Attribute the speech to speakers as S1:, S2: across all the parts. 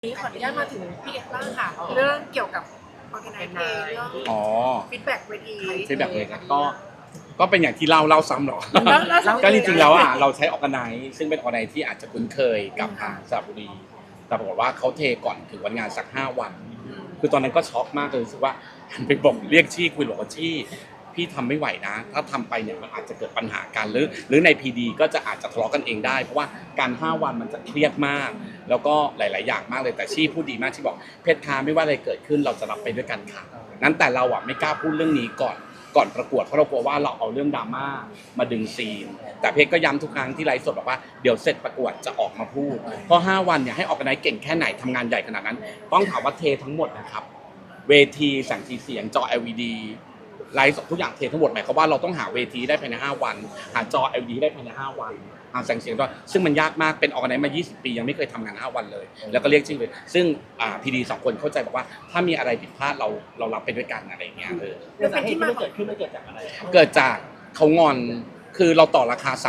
S1: นี้ขออนุญาตมาถึงพี่เอกบ้างค่ะเรื่องเกี่ยวกับออร์แกไนซ์เเรื่อง
S2: อ๋อ
S1: ฟีดแบ็กเวที
S2: ฟีดแบ็กเลยครับก็เป็นอย่างที่เล่าซ้ำหรอ
S1: แล้ว
S2: ก็จริงๆแล้วเราใช้ออร์แกไนซ์ซึ่งเป็นออร์แกไนซ์ที่อาจจะคุ้นเคยกับทางสระบุรีแต่ปรากฏว่าเขาเทก่อนถึงวันงานสัก5 วันคือตอนนั้นก็ช็อกมากเลยรู้สึกว่าหันไปบอกเรียกชี่คุยบอกว่าชี่พี่ทำไม่ไหวนะถ้าทำไปเนี่ยมันอาจจะเกิดปัญหากันหรือใน PD ก็จะอาจจะทะเลาะกันเองได้เพราะว่าการ5 วันมันจะเครียดมากแล้วก็หลายๆอย่างมากเลยแต่ชี่พูดดีมากชี่บอกเพชรค้าไม่ว่าอะไรเกิดขึ้นเราจะรับไปด้วยกันค่ะนั้นแต่เราไม่กล้าพูดเรื่องนี้ก่อนประกวดเพราะเรากลัวว่าเราเอาเรื่องดราม่ามาดึงซีนแต่เพชรก็ย้ำทุกครั้งที่ไลฟ์สดบอกว่าเดี๋ยวเสร็จประกวดจะออกมาพูดเพราะ5 วันเนี่ยให้ออกกันไหนเก่งแค่ไหนทำงานใหญ่ขนาดนั้นต้องถามว่าเททั้งหมดนะครับเวทีแสงสีเสียงจอ LED ไลฟ์สดทุกอย่างเททั้งหมดหมายความว่าเราต้องหาเวทีได้ภายใน5 วันหาจอ LED ได้ภายใน5 วันหาแสงเสียงด้วยซึ่งมันยากมากเป็นออกกันไหนมา20 ปียังไม่เคยทำงาน5 วันเลยแล้วก็เรียกชื่อเลยซึ่งPD 2 คนเข้าใจบอกว่าถ้ามีอะไรผิดพลาดเรารับไปด้วยกันอะไรอย่างเงี้ย
S3: สาเหตุที่มันเกิดขึ้นมันเกิดจากอะไร
S2: เกิดจากเขางอนคือเราต่อราคา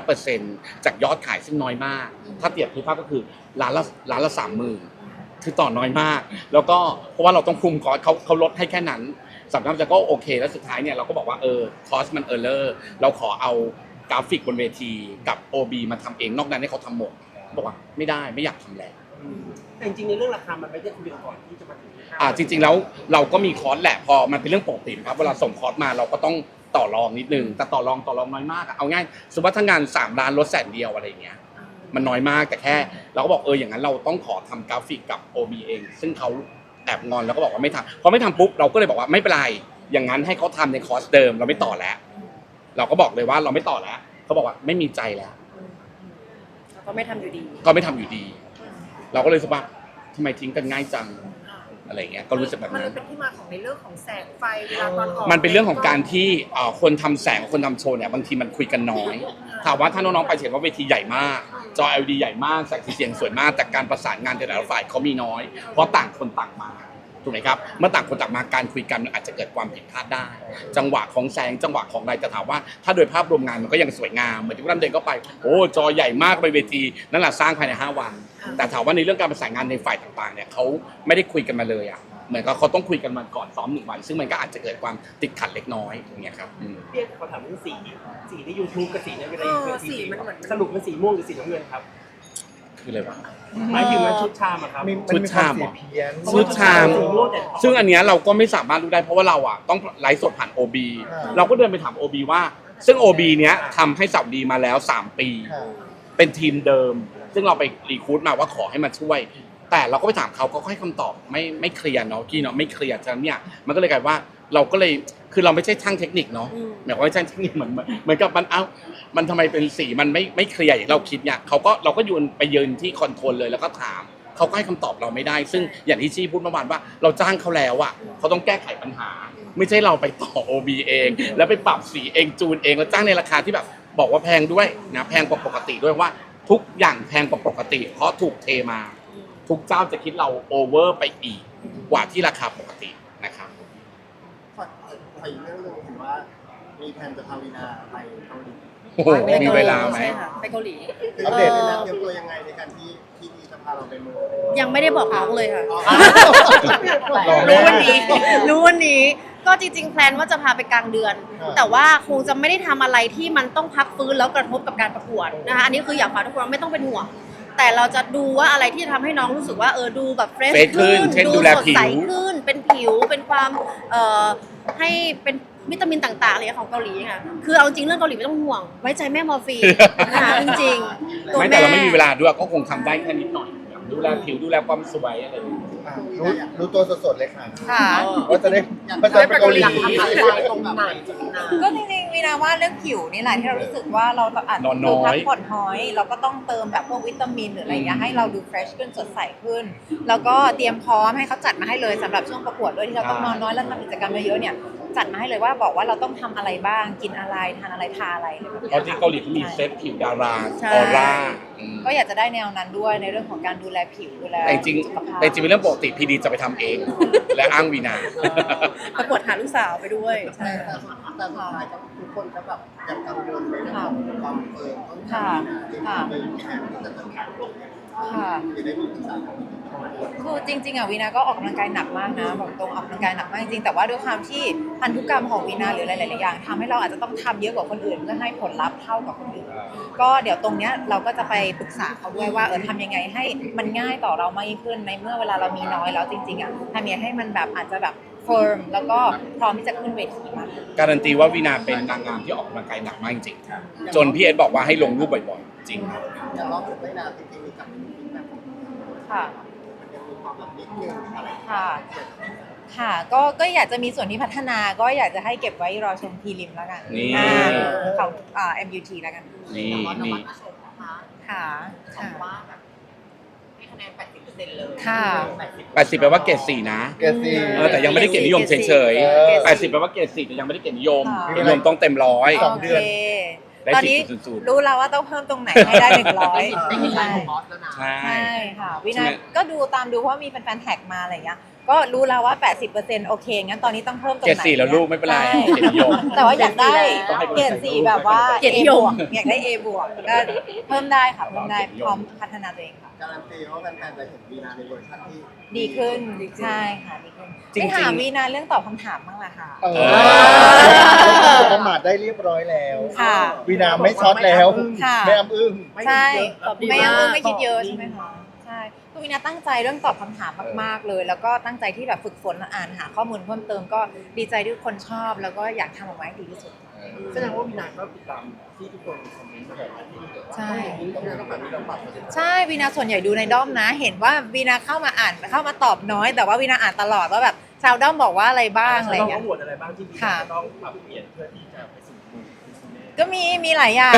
S2: 3.5% จากยอดขายซึ่งน้อยมากถ้าเปรียบเทียบก็คือล้านละ 30,000 คือต่อน้อยมากแล้วก็เพราะว่าเราต้องคุมคอสเขาลดให้แค่นั้นสำหรับจะก็โอเคแล้วสุดท้ายเนี่ยเราก็บอกว่าคอสมันเลอร์เราขอเอากราฟิกบนเวทีกับ OB มาทำเองนอกนั้นให้เขาทำหมดบอกว่าไม่ได้ไม่อยากทำแล้ว
S3: แต่จริงๆในเรื่องราคามันไม่ได้คุยกันก่อนที่จะมาถึง
S2: จริงๆแล้วเราก็มีคอร์สแหละพอมันเป็นเรื่องปกติครับเวลาส่งคอร์สมาเราก็ต้องต่อรองนิดนึงแต่ต่อรองน้อยมากเอาง่ายสมมติว่าถ้างาน3 ล้านลด100,000อะไรอย่างเงี้ยมันน้อยมากแต่แค่เราก็บอกอย่างนั้นเราต้องขอทำกราฟิกกับ OB เองซึ่งเขาแอบงอนแล้วก็บอกว่าไม่ทำพอไม่ทำปุ๊บเราก็เลยบอกว่าไม่เป็นไรอย่างนั้นให้เขาทำในคอร์สเดิมเราไม่ต่อแล้วเราก็บอกเลยว่าเราไม่ต่อแล้วเขาบอกว่าไม่มีใจแล้ว
S1: ก็ไม่ทำอยู่ดี
S2: เราก็เลยรู้สึกว่าทำไมทิ้งกันง่ายจังอะไรเงี้ยก็รู้สึกแบบนั้น
S1: มันเป็นที่มาของในเรื่องของแสงไฟเวลาตอนออก
S2: มันเป็นเรื่องของการที่คนทำแสงคนทำโชว์เนี่ยบางทีมันคุยกันน้อยถามว่าถ้าน้องๆไปเห็นว่าเวทีใหญ่มากจอ LED ใหญ่มากแสงสีเสียงสวยมากแต่การประสานงานแต่ละฝ่ายเขามีน้อยเพราะต่างคนต่างมาถูกไหมครับเมื่อต่างคนต่างมาการคุยกันอาจจะเกิดความผิดพลาดได้จังหวะของแสงจังหวะของอะไรจะถามว่าถ้าโดยภาพรวมงานมันก็ยังสวยงามเหมือนที่ท่านเดินเข้าไปจอใหญ่มากไปเวทีนั่นแหละสร้างภายใน5 วันแต่ถามว่าในเรื่องการประสานงานในฝ่ายต่างๆเนี่ยเขาไม่ได้คุยกันมาเลยเหมือนกับเขาต้องคุยกันมาก่อนซ้อม1 วันซึ่งมันก็อาจจะเกิดความติดขัดเล็กน้อยอย่างเงี้ยครับ
S3: เรียกขอถามเรื่องสีใน YouTube กับสีในเวลาสีมันสรุปเป็นสีม่วงหรือสีน้ำเงินครับ
S2: คืออะไรวะ
S3: หมายถึงมันชุดชามครับ
S2: ชุดชามซึ่งอันเนี้ยเราก็ไม่สามารถรู้ได้เพราะว่าเราต้องไลฟ์สดผ่าน OB เราก็เดินไปถาม OB ว่าซึ่ง OB เนี้ยทำให้สาวดีมาแล้ว3 ปีเป็นทีมเดิมซึ่งเราไปรีคูดมาว่าขอให้มาช่วยแต่เราก็ไปถามเขาก็ให้คำตอบไม่เคลียร์เนาะกี้เนาะไม่เคลียร์ฉะนั้นเนี่ยมันก็เลยกลายว่าเราก็เลยคือเราไม่ใช่ช่างเทคนิคเนาะหมายความว่าช่างเทคนิคเหมือนกับมันทำไมเป็นสีมันไม่เคลียร์อย่างเราคิดเนี่ยเราก็ยืนที่คอนโทรลเลยแล้วก็ถามเขาก็ให้คำตอบเราไม่ได้ซึ่งอย่างที่ชี้พูดเมื่อวานว่าเราจ้างเขาแล้วเขาต้องแก้ไขปัญหาไม่ใช่เราไปต่อ OB เองแล้วไปปรับสีเองจูนเองแล้วจ้างในราคาที่แบบบอกว่าแพงด้วยนะแพงกว่าปกติด้วยว่าทุกอย่างแพงกว่าปกติเพราะถูกเทมาทุกเจ้าจะคิดเราโอเวอร์ไปอีกกว่าที่ราคาปกตินะครับ
S4: ขออีกเรื่องนึงเห็นว่ามีแผนจะพาวีนาไปเกาหลี
S2: มีเวลาไหม
S1: ไปเกาหลี
S4: อัปเดตเลยนะเตรียมตัวยังไงในการที่จะพาเราไปเมือง
S5: ยังไม่ได้บอกน้องเลยค่ะ
S1: รู้วัน
S5: นี้ ก็จริงๆแพลนว่าจะพาไปกลางเดือนแต่ว่าคงจะไม่ได้ทำอะไรที่มันต้องพักฟื้นแล้วกระทบกับการประกวดนะคะอันนี้คืออยากฝากทุกคนไม่ต้องเป็นห่วงแต่เราจะดูว่าอะไรที่ทำให้น้องรู้สึกว่าดูแบบเฟรชขึ้นดูสดใสขึ้นเป็นผิวเป็นความให้เป็นวิตามินต่างๆอะไรของเกาหลีค่ะคือเอาจริงเรื่องเกาหลีไม่ต้องห่วงไว้ใจแม่มอร์ฟีนนะคะจริงๆ
S2: ไม่แต่เราไม่มีเวลาด้วยก็คงทำได้แค่นิดหน่อยดูแลผิวดูแลความสวยอะไร
S4: รู้ตัวสดๆเลยค่ะ
S5: ค่ะ
S4: ว่าจะได้ไปเกาหลี
S6: ก็จริงๆวีนาว่าเรื่องผิวนี่แหละที่เรารู้สึกว่าเราอาจจะดูพักผ่อนน้อยเราก็ต้องเติมแบบพวกวิตามินหรืออะไรอย่างเงี้ยให้เราดูเฟรชขึ้นสดใสขึ้นแล้วก็เตรียมพร้อมให้เขาจัดมาให้เลยสำหรับช่วงประกวดด้วยที่เราต้องนอนน้อยแล้วทำกิจกรรมเยอะๆเนี่ยจัดมาให้เลยว่าบอกว่าเราต้องทำอะไรบ้างกินอะไรทานอะไรทาอะไร
S2: เพราะที่เกาหลีเขามีเซตผิวดาราออร่า
S6: ก็อยากจะได้แนวนั้นด้วยในเรื่องของการดูแลผิวดูแล
S2: แต่จริงเป็นเรื่องปกติพีดีจะไปทำเองและอ้างวีนา
S5: ประกวดหาลูกสาวไปด้วย
S4: ใช่แต่สุดท้ายทุกคนก็แบบยังกังวลในเรื่องของความเฟิร์มต้องทำในแผนที่จะจัดการจะได้มีศึกษา
S6: คือจริงๆอ่ะวีนาก็ออกกำลังกายหนักมากนะบอกตรงออกกำลังกายหนักมากจริงๆแต่ว่าด้วยความที่พันธุกรรมของวีนาหรือหลายๆอย่างทำให้เราอาจจะต้องทำเยอะกว่าคนอื่นเพื่อให้ผลลัพธ์เท่ากับคนอื่นก็เดี๋ยวตรงเนี้ยเราก็จะไปปรึกษาเขาด้วยว่าทำยังไงให้มันง่ายต่อเรามากยิ่งขึ้นในเมื่อเวลาเรามีน้อยแล้วจริงๆอ่ะทำยังไงให้มันแบบอาจจะแบบเฟิร์มแล้วก็พร้อมที่จะขึ้นเวทีมากขึ้น
S2: การันตีว่าวีนาเป็นนางงามที่ออกกำลังกายหนักมากจริงๆจนพี่เอสบอกว่าให้ลงรูปบ่อยๆจริงครับ
S4: อย่างรอบสุดไม่นานจริงๆมีกับมีแบบ
S6: ค่ะ
S4: มันยังมีความแบบนิดนึงอะไร
S6: ค่ะ ค่ะก็อยากจะมีส่วนที่พัฒนาก็อยากจะให้เก็บไว้รอชมพีริมแล้วกัน
S2: นี่
S6: ของMUT แล้วกัน
S2: นี่
S1: แต่ว่า
S2: นี่
S1: ชมนะคะ
S6: ค่ะ
S1: ชมว่าแบบให้คะแนน 80%เลย
S6: ค่ะ
S2: 80แปลว่าเกรด4นะ
S4: เกสี่
S2: แต่ยังไม่ได้เกียรตินิยมเฉย
S5: เกรด
S2: ๆ
S5: สี่
S2: 80แปลว่าเกรด4แต่ยังไม่ได้เกียรตินิยม
S6: ค่ะ
S2: เกียรตินิยมต้องเต็มร้อย
S4: สองเดือน
S6: โอเค
S2: ได้
S6: ตอนนี้
S2: 10.00
S6: รู้แล้วว่าต้องเพิ่มตรงไหนให้ได้100
S1: ไม่มีไลน์ของบอสแล้วนะ
S2: ใช่
S6: ใช่ค่ะวิ
S2: ใช่
S6: นา
S2: ไหม
S6: ก็ดูตามดูเพราะว่ามีแฟนๆแท็กมาอะไรอย่างเงี้ยก็รู้แล้วว่า 80%โอเคงั้นตอนนี้ต้องเพิ่มตรง
S2: เกรด
S6: ไหน
S2: 4แล้วลูกไม่เป็นไร
S6: ใช่
S2: เกียรตินิยม
S6: แต่ว่าอยากได้
S2: ต้องให้
S6: เกรด4แบบว่า
S5: เกียรตินิยม
S6: อยากได้ A บวกก็เพิ่มได้ค่ะเพิ่มได้พร้อมพัฒนาตัวเองค่ะ
S4: การันตีว่าแฟนๆจะเห็นวีนาในเวอร์ชันที่
S6: ดีขึ้นใช่ค่ะดีขึ้น
S2: จริงๆ
S6: ไม่ถามวีนาเรื่องตอบคำถามบ้างล่ะค่ะ
S7: ประมาทได้เรียบร้อยแล้ว
S6: ค่ะ
S7: วีนาไม่ช็อตแล้ว
S6: ค่ะ
S7: ไม่อ้ำอึ้ง
S6: ใช่
S5: ตอบดี
S6: ไม่
S5: มาก
S6: ไม่คิดเยอะใช่ไหมคะใช่คือวินาตั้งใจเรื่องตอบคำถามมากๆเลย แล้วก็ตั้งใจที่แบบฝึกฝนอ่านหาข้อมูลเพิ่มเติมก็ดีใจที่ทุกคนชอบ แล้วก็อยากทำออกมาให้ดีที่สุด
S3: แสดงว่าวีนาก็ติดตามที่ทุกคนคอมเมนต์มาแบบนี้
S6: ใช่
S3: ต้องแบบนี้เราปรับมา
S6: ใช่วีนาส่วนใหญ่ดูในด้อมนะ เห็นว่าวีนาเข้ามาอ่านเข้ามาตอบน้อย แต่ว่าวีนาอ่านตลอดว่าแบบชาวด้อมบอกว่าอะไรบ้างอะไร
S3: เรา
S6: เงี้
S3: ต้อย งบวชอะไรบ้างที่วีนาจะต้องปรับเปลี่ยนเพื่อที่จะไปสู่มุมที่
S6: ก็มีหลายอย่าง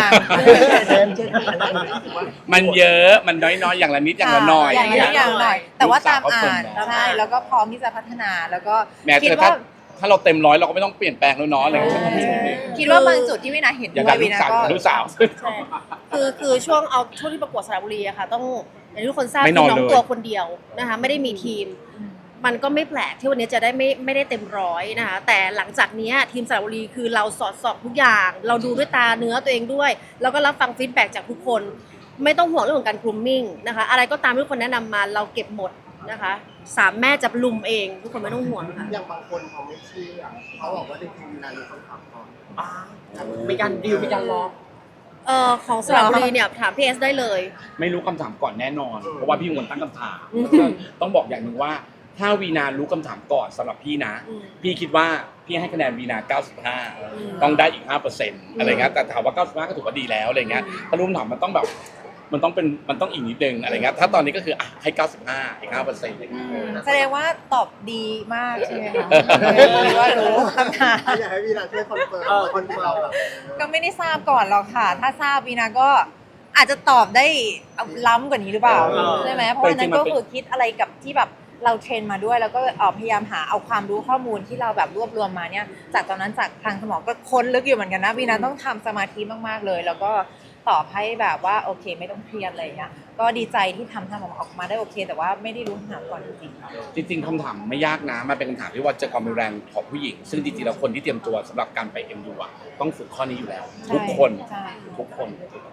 S2: มันเยอะมันน้อยๆอย่างละนิดอย่างละหน่อย
S6: อย่างละอย่างหน่อย แต่ว่าตามอ่าน
S2: ลูกสาวก็ชมนะ
S6: ใช่แล้วก็พร้อมที่จะพัฒนาแล้วก็
S2: แม้
S6: คิด
S2: แต่
S6: ว่า
S2: ถ้าเราเต็มร้อยเราก็ไม่ต้องเปลี่ยนแปลงแล้วเนาะอะไรอย่างเงี้ย
S6: คิดว่าบางจุดที่วินาเห็น
S2: อย่าง
S6: ด้ว
S2: กับ
S6: ย
S2: ลู
S6: วิ
S2: ก
S6: นา
S2: สาว
S6: ก็
S2: ลูกสาว
S5: ใช่คือช่วงที่ประกวดสระบุรีอะค่ะ ต้องอย่างที่ทุกคนทราบ
S2: ไม่
S5: คื
S2: น
S5: อ
S2: อน
S5: น้อง
S2: เลย
S5: ตัวคนเดียวนะคะไม่ได้มีทีม มันก็ไม่แปลกที่วันนี้จะได้ไม่ได้เต็มร้อยนะคะแต่หลังจากนี้ทีมสระบุรีคือเราสอดส่องทุกอย่าง เราดูด้วยตาเนื้อตัวเองด้วย แล้วก็รับฟังฟีดแบ็กจากทุกคน ไม่ต้องห่วงเรื่องของการกรูมมิ่งนะคะอะไรก็ตามที่ทุกคนแนะนำมาเราเก็บหมดนะคะ3แม่จะลุมเองทุกคนไม่ต้องห่วงค่ะ
S4: อย่างบางคนเขาไม่เชื่อเขาบอกว่าจริงๆวีนามีคำถามก่อน
S3: มีการดีลมีการล็อก
S5: ของสระบุรีเนี่ยถามพี่เอสได้เลย
S2: ไม่รู้คำถามก่อนแน่นอน เพราะว่าพี่เป็นคนตั้งคำถามต้องบอกอย่างหนึ่งว่าถ้าวีนารู้คำถามก่อนสำหรับพี่นะ
S5: อืม
S2: พี่คิดว่าพี่ให้คะแนนวีนา 95 ต้องได้อีก 5%อะไรเงี้ยแต่ถามว่า 95 ก็ถือว่าดีแล้วอะไรเงี้ยถ้ารู้คำถามมันต้องแบบมันต้องอีกนิดนึงอะไรเงี้ยถ้าตอนนี้ก็คือให้ 95 อีก 5%อะไรเงี้ย
S6: แสดงว่าตอบดีมากใช่ไหมคะหรือว่ารู้คำถาม
S4: อยากให้วีนาช่วยคอนเฟิร์มคนที่เราแบบ
S6: ก็ไม่ได้ทราบก่อนหรอกค่ะ ถ้าทราบวีนาก็อาจจะตอบได้ล้ำกว่านี้หรือเปล่าใช่ไหมเพราะว่านั้นก็คือคิดอะไรกับที่แบบเราเทรนมาด้วย แล้วก็พยายามหาเอาความรู้ข้อมูลที่เราแบบรวบรวมมาเนี่ยจากตอนนั้นจากทางสมองก็ค้นลึกอยู่เหมือนกันนะวีนาต้องทำสมาธิมากๆเลย แล้วก็ตอบให้แบบว่าโอเคไม่ต้องเครียดอะไรอย่างเงี้ยก็ดีใจที่ทำออกมาได้โอเค แต่ว่าไม่ได้รู้คำถามก่อนจริงๆ
S2: จริงๆคำถามไม่ยากนะมันเป็นคำถามที่ว่าเจอความรุนแรงของผู้หญิง ซึ่งจริงๆแล้วคนที่เตรียมตัวสำหรับการไป MU อ่ะต้องฝึกข้อนี้อยู่แล้ว ทุกคน
S6: ใช่
S2: ทุกคน